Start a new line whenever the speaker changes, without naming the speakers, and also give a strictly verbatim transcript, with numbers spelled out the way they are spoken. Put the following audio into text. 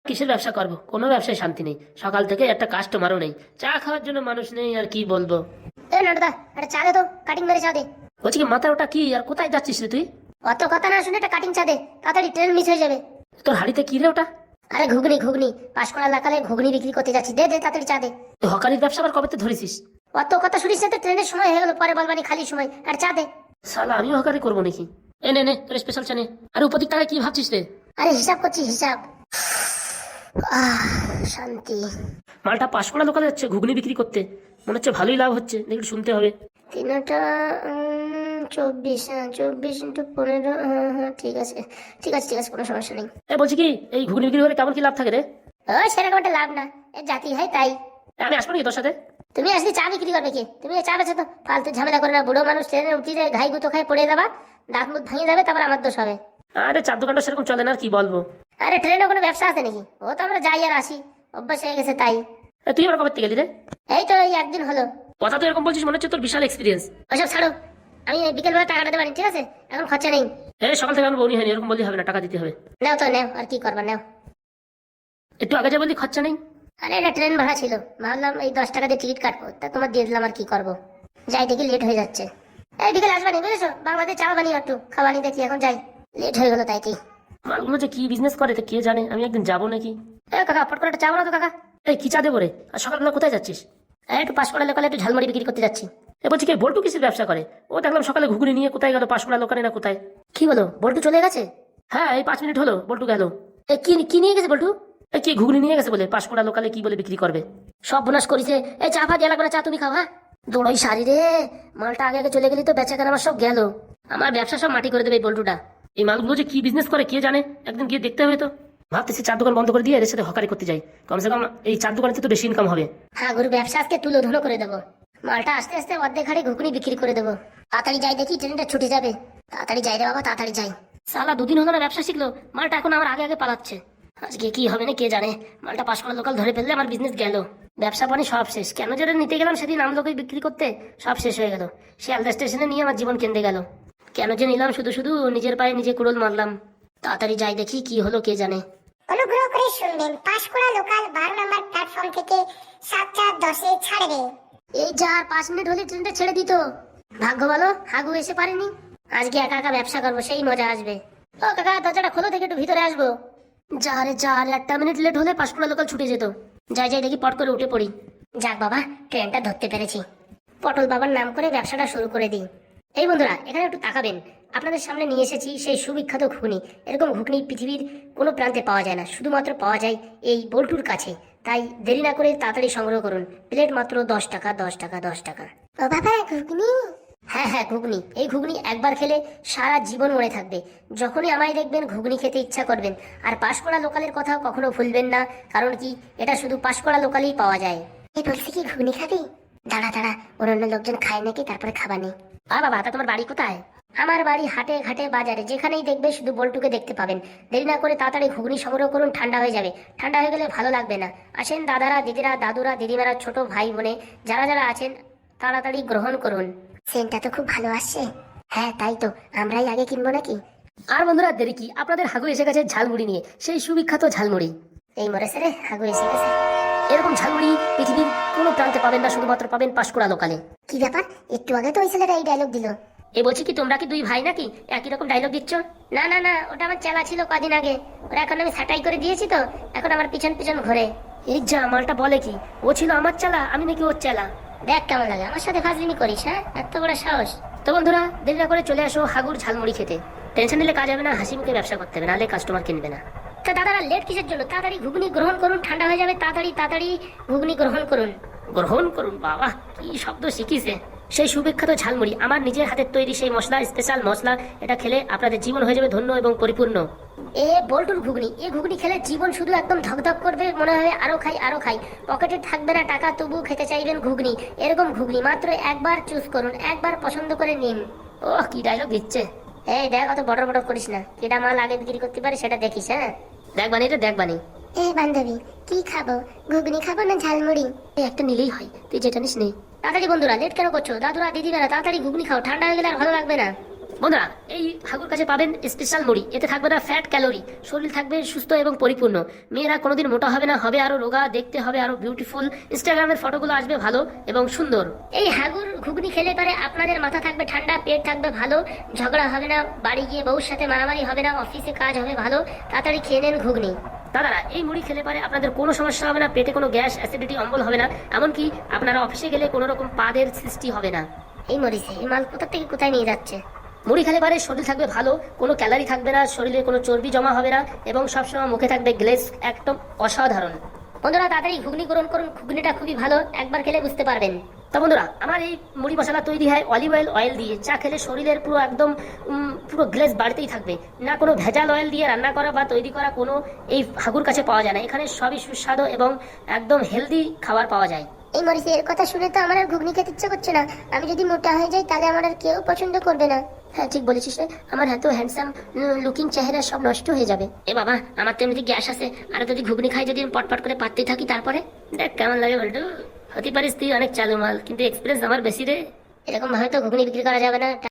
কিসের ব্যবসা করব? কোনো ব্যবসায় শান্তি নেই, সকাল থেকে একটা কাস্টমারও নেই, চা খাওয়ার জন্য মানুষ নেই, আর কি বলবো।
এ নাটদা, একটা চা দে তো, কাটিং মেরে চা দে।
বলছি কি, মাথার ওটা কি, আর কোথায় যাচ্ছিস রে তুই?
অত কথা না শুনে একটা কাটিং চা দে, তাড়াতাড়ি ট্রেন মিস হয়ে যাবে।
তোর হাড়িতে কি রে ওটা?
আরে ঘুগনি ঘুগনি, পাঁশকুড়া লাকালে ঘুগনি বিক্রি করতে যাচ্ছি, দে দে তাড়াতাড়ি চা দে।
তুই হকারির ব্যবসা আবার কবে ধরেছিস?
অত কথা শুনিস না তো, ট্রেনের সময় হয়ে গেল, পরে বলবানি খালি সময়, আর চা দে।
শালা আমিও হকারি করবো নাকি? এ নে নে তোর স্পেশাল চা নে। আর উপর টাকায় কি ভাবছিস রে?
আরে হিসাব করছি হিসাব। আহ শান্তি।
মালটা পাঁশকুড়া লোকালে যাচ্ছে ঘুগনি বিক্রি করতে, মনে হচ্ছে ভালোই লাভ হচ্ছে, দেখি শুনতে হবে।
তিনটা উম, চব্বিশ, হ্যাঁ চব্বিশ ইন্টু পনেরো, হ্যাঁ হ্যাঁ ঠিক আছে ঠিক আছে ঠিক আছে, কোনো সমস্যা নেই।
এ বলছি কি, এই ঘুগনি বিক্রি করে কেমন কি লাভ থাকে রে?
ওই সেরকম একটা লাভ না, এ জাতি হয় তাই।
আমি আসবো নাকি তোর সাথে?
তুমি আসলে চা বিক্রি করবে কি? তুমি চা বেছো তো, ফালতু ঝামেলা করে না, বুড়ো মানুষ ট্রেনে উঠি যায়, ঘাই গুতো খাই পড়ে যাবা, দাঁত মুখ ভেঙে যাবে, তারপর আমার দোষ হবে।
আরে চার দোকানটা সেরকম চলে না, আর কি বলবো।
আরে ট্রেনে কোনো ব্যবসা আছে নাকি? ও তো আমরা যাই আর আসি, অভ্যাস হয়ে গেছে তাই।
এ, তুই আবার কবে থেকে গেলি রে?
এই তো এই একদিন হলো।
কথা তো এরকম বলছিস, মনে হচ্ছে তোর বিশাল এক্সপিরিয়েন্স।
ওইসব ছাড়ো, আমি বিকেল বেলা টাকাটা দেবানি, ঠিক আছে? এখন খরচা নেই।
এই সকাল থেকে আমার বউনি হয়নি, এরকম বললি হবে না, টাকা দিতে হবে।
নাও তো নাও, আর কি করবা নাও।
একটু আগে যা বললি খরচা নেই।
আরে এটা ট্রেন ভাড়া ছিল, ভাবলাম এই দশ টাকা দিয়ে টিকিট কাটবো, তা তোমার দিয়ে দিলাম, আর কি করবো। যাই দেখি লেট হয়ে যাচ্ছে। এই বিকেল আসবানি বুঝেছো, বাংলাদেশ চা বানিয়ে একটু খাবানি দেখি, এখন যাই, লেট হয়ে গেলো তাই কি।
মালগুলো যে কি বিজনেস করে তো কে জানে, আমি একদিন যাবো নাকি।
এ কাকা, ফট করে একটা চা বানাও তো কাকা।
এই কি চা দেবো রে? আর সকালবেলা কোথায় যাচ্ছিস?
এই একটু পাঁশকুড়া লোকালে একটু ঝালমুড়ি বিক্রি করতে যাচ্ছি।
এ বলছি কি, বল্টু কিসের ব্যবসা করে? ও দেখলাম সকালে ঘুগনি নিয়ে কোথায় গেল, পাঁশকুড়া লোকানে না কোথায়।
কি বলো, বল্টু চলে গেছে?
হ্যাঁ, এই পাঁচ মিনিট হলো বল্টু গেল।
এ কি কি নিয়ে গেছে বল্টু?
এই কি ঘুগনি নিয়ে গেছে বলে, পাঁশকুড়া লোকালে কি বলে বিক্রি করবে।
সব বোনাস করেছে। এই চা ফা দিয়ে লাগবে না, চা তুমি খাও। হ্যাঁ দৌড়াই সারি রে, মালটা আগে আগে চলে গেলি তো বেচা কেনা আমার সব গেল, আমার ব্যবসা সব মাটি করে দেবে এই বল্টুটা।
এই মালগুলো যে কি বিজনেস করে কে জানে, একদিন গিয়ে দেখতে হবে তো। ভাবতেছি চার দোকান বন্ধ করে দিয়ে এর সাথে হকারি করতে যাই, কমসে কম এই চার দোকানে তো বেশি ইনকাম হবে।
হ্যাঁ গুরু, ব্যবসা আজকে তুলো ধুলো করে দেবো, মালটা আস্তে আস্তে অর্ধেক হাড়ি ঘুগনি বিক্রি করে দেবো। তাড়াতাড়ি যাই দেখি, ট্রেনটা ছুটে যাবে, তাড়াতাড়ি যাই রে বাবা, তাড়াতাড়ি যাই। সালা দুদিন হলো না ব্যবসা শিখলো, মালটা এখন আমার আগে আগে পালাচ্ছে। আজকে কি হবে না কে জানে, মালটা পাঁশকুড়া লোকাল ধরে ফেললে আমার বিজনেস গেল, ব্যবসা পানি সব শেষ। কেন যেটা নিতে গেলাম সেদিন আমলোকে বিক্রি করতে, সব শেষ হয়ে গেল। শিয়ালদা স্টেশনে নিয়ে আমার জীবন কেন্দ্রে গেল। কেন যে নিলাম, শুধু শুধু নিজের পায়ে নিজে কুড়োল মারলাম। তাড়াতাড়ি যাই দেখি কি হলো কে জানে।
অনুগ্রহ করে শুনবেন, পাঁশকুড়া লোকাল বারো নম্বর প্ল্যাটফর্ম থেকে সাতটা দশে ছাড়বে।
এই যা আর পাঁচ মিনিট হলে ট্রেনটা ছেড়ে দিত। ভাগ্য ভালো হাগু এসে পারেনি, আজকে একা একা ব্যবসা করবো, সেই মজা আসবে। ও কাকা, দরজাটা খোলো থেকে একটু ভিতরে আসবো। যা রে যা, আর একটা মিনিট লেট হলে পাঁশকুড়া লোকাল ছুটে যেত। যাই যাই দেখি, পট করে উঠে পড়ি। যাক বাবা, ট্রেনটা ধরতে পেরেছি, পটল বাবার নাম করে ব্যবসাটা শুরু করে দিই। এই বন্ধুরা, এখানে একটু তাকাবেন, আপনাদের সামনে নিয়ে এসেছি সেই সুবিখ্যাত ঘুগনি। এরকম ঘুগনি পৃথিবীর কোনো প্রান্তে পাওয়া যায় না, শুধুমাত্র পাওয়া যায় এই বল্টুর কাছে। তাই দেরি না করে তাড়াতাড়ি সংগ্রহ করুন, প্লেট মাত্র দশ টাকা দশ টাকা দশ টাকা।
ও বাবা, ঘুগনি?
হ্যাঁ হ্যাঁ ঘুগনি, এই ঘুগনি একবার খেলে সারা জীবন মনে থাকবে। যখনই আমায় দেখবেন ঘুগনি খেতে ইচ্ছা করবেন। আর পাঁশকুড়া লোকালের কথাও কখনো ভুলবেন না, কারণ কি এটা শুধু পাঁশকুড়া লোকালেই পাওয়া যায়।
এ বলছি কি, ঘুগনি খাবি? দাঁড়া দাঁড়া, অন্যান্য লোকজন খায় নাকি, তারপরে খাবানি।
আ বাবা, তা তোমার বাড়ি কোথায়? আমার বাড়ি হাটে ঘাটে বাজারে, যেখানেই দেখবে শুধু বল্টুকে দেখতে পাবেন। দেরি না করে তাড়াতাড়ি ঘুগনি সংগ্রহ করুন, ঠান্ডা হয়ে যাবে। ঠান্ডা হয়ে গেলে ভালো লাগবে না। আসেন দাদারা, দিদিরা, দাদুরা, দিদিমারা, ছোট ভাই বোনে যারা যারা আছেন, তাড়াতাড়ি গ্রহণ করুন।
সেন্টটা তো খুব ভালো আসছে। হ্যাঁ তাই তো, আমরাই আগে কিনবো নাকি?
আর বন্ধুরা দেরি কি, আপনাদের হাগু এসে গেছে ঝালমুড়ি নিয়ে, সেই সুবিখ্যাত ঝালমুড়ি।
এই মরেছে রে, হাগু এসে গেছে।
এরকম ঝালমুড়ি পৃথিবীর কোনো প্রান্তে পাবেন না, শুধুমাত্র পাবেন পাঁশকুড়া লোকালে।
কি ব্যাপার, একটু আগে তো ওই ছেলেটা এই ডায়লগ দিল।
এ বলছি কি, তোমরা কি দুই ভাই নাকি একই রকম ডায়লগ দিচ্ছ? না না না, ওটা আমার চেলা ছিল কদিন আগে, ওরা এখন আমি ছাটাই করে দিয়েছি তো, এখন আমার পিছন পিছন ঘোরে। এই যা, মালটা বলে কি, ও ছিল আমার চেলা, আমি নাকি ওর চেলা। দেখ কেমন লাগে, আমার সাথে ফাজলিমি করিস, হ্যাঁ এত বড় সাহস। তো বন্ধুরা, দেরি না করে চলে আসো হাগুর ঝালমুড়ি খেতে। টেনশন নিলে কাজ হবে না, হাসি মুখে ব্যবসা করতে হবে, নাহলে কাস্টমার কিনবে না। তা দাদারা লেট কিসের জন্য, তাড়াতাড়ি ঘুগনি গ্রহণ করুন, ঠান্ডা হয়ে যাবে, তাড়াতাড়ি তাড়াতাড়ি ঘুগনি গ্রহণ করুন। গ্রহণ করুন, বাবা কি শব্দ শিখিছে। সেই সুবিখ্যাত ঝালমুড়ি, আমার নিজের হাতের তৈরি সেই মশলা, স্পেশাল মশলা। এটা খেলে আপনাদের জীবন হয়ে যাবে ধন্য এবং পরিপূর্ণ। এ বল্টুর ঘুগনি, এই ঘুগনি খেলে জীবন শুধু একদম ধকধক করবে, মনে হবে আরো খাই আরো খাই। পকেটে থাকবে না টাকা, তবু খেতে চাইবেন ঘুগনি। এরকম ঘুগনি মাত্র একবার চুজ করুন, একবার পছন্দ করে নিন। ও কি ডায়লগ দিচ্ছে। এই দেখ, অত বড় বড় করিস না, কেটা মাল আগে বিক্রি করতে পারে সেটা দেখিস। হ্যাঁ দেখ বানি রে, দেখ বানি।
এ বান্ধবী, কি খাবো, ঘুগনি খাবো না ঝালমুড়ি?
এই একটা নিলেই হয়, তুই যেটা নিস নেই। তাড়াতাড়ি বন্ধুরা, লেট কেন করছো? দাদুরা, দিদিরা, তাড়াতাড়ি ঘুগনি খাও, ঠান্ডা হয়ে গেলে আর ভালো লাগবে না।
বন্ধুরা এই হাগুর কাছে পাবেন স্পেশাল মুড়ি, এতে থাকবে না ফ্যাট ক্যালোরি, শরীর থাকবে সুস্থ এবং পরিপূর্ণ, মেয়েরা কোনোদিন মোটা হবে না, হবে আরো রোগা, দেখতে হবে আরো বিউটিফুল, ইনস্টাগ্রামের ফটোগুলো আসবে ভালো এবং সুন্দর।
এই হাগুর ঘুগনি খেলে পারে আপনাদের মাথা থাকবে ঠান্ডা, পেট থাকবে ভালো, ঝগড়া হবে না, বাড়ি গিয়ে বউর সাথে মারামারি হবে না, অফিসে কাজ হবে ভালো। তাড়াতাড়ি খেয়ে নেন ঘুগনি।
দাদারা এই মুড়ি খেলে পারে আপনাদের কোনো সমস্যা হবে না, পেটে কোনো গ্যাস অ্যাসিডিটি অম্বল হবে না, এমনকি আপনারা অফিসে গেলে কোনো রকম পাদের সৃষ্টি হবে না।
এই মরিচে এই মাল কোথা থেকে কোথায় নিয়ে যাচ্ছে?
মুড়ি খেলে পারে শরীর থাকবে ভালো, কোনো ক্যালারি থাকবে না, শরীরে কোনো চর্বি জমা হবে না এবং সবসময় মুখে থাকবে গ্লেজ, একদম অসাধারণ।
বন্ধুরা তাড়াতাড়ি ঘুগনি গ্রহণ করুন, ঘুগনিটা খুবই ভালো, একবার খেলে বুঝতে পারবেন।
তো বন্ধুরা আমার এই মুড়ি মশলা তৈরি হয় অলিভ অয়েল অয়েল দিয়ে, যা খেলে শরীরের পুরো একদম উম, পুরো গ্লেজ বাড়তেই থাকবে। না কোনো ভেজাল অয়েল দিয়ে রান্না করা বা তৈরি করা কোনো এই হাগুর কাছে পাওয়া যায় না, এখানে সবই সুস্বাদু এবং একদম হেলদি খাবার পাওয়া যায়।
এই মরিচে এর কথা শুনে তো আমার আর ঘুগনি খেতে ইচ্ছে করছে না। আমি যদি মোটা হয়ে যাই তাহলে আমার আর কেউ পছন্দ করবে না।
হ্যাঁ ঠিক বলেছিস রে, আমার এত হ্যান্ডসাম লুকিং চেহারা সব নষ্ট হয়ে যাবে। এ বাবা আমার তো এমনিতে গ্যাস আছে, আর যদি ঘুগনি খাই যদি আমি পটপট করে পাততেই থাকি, তারপরে দেখ কেমন লাগে বলতো। হতে পারিস তুই অনেক চালু মাল, কিন্তু এক্সপিরিয়েন্স আমার বেশি রে।
এরকম ভাবে তো ঘুগনি বিক্রি করা যাবে না।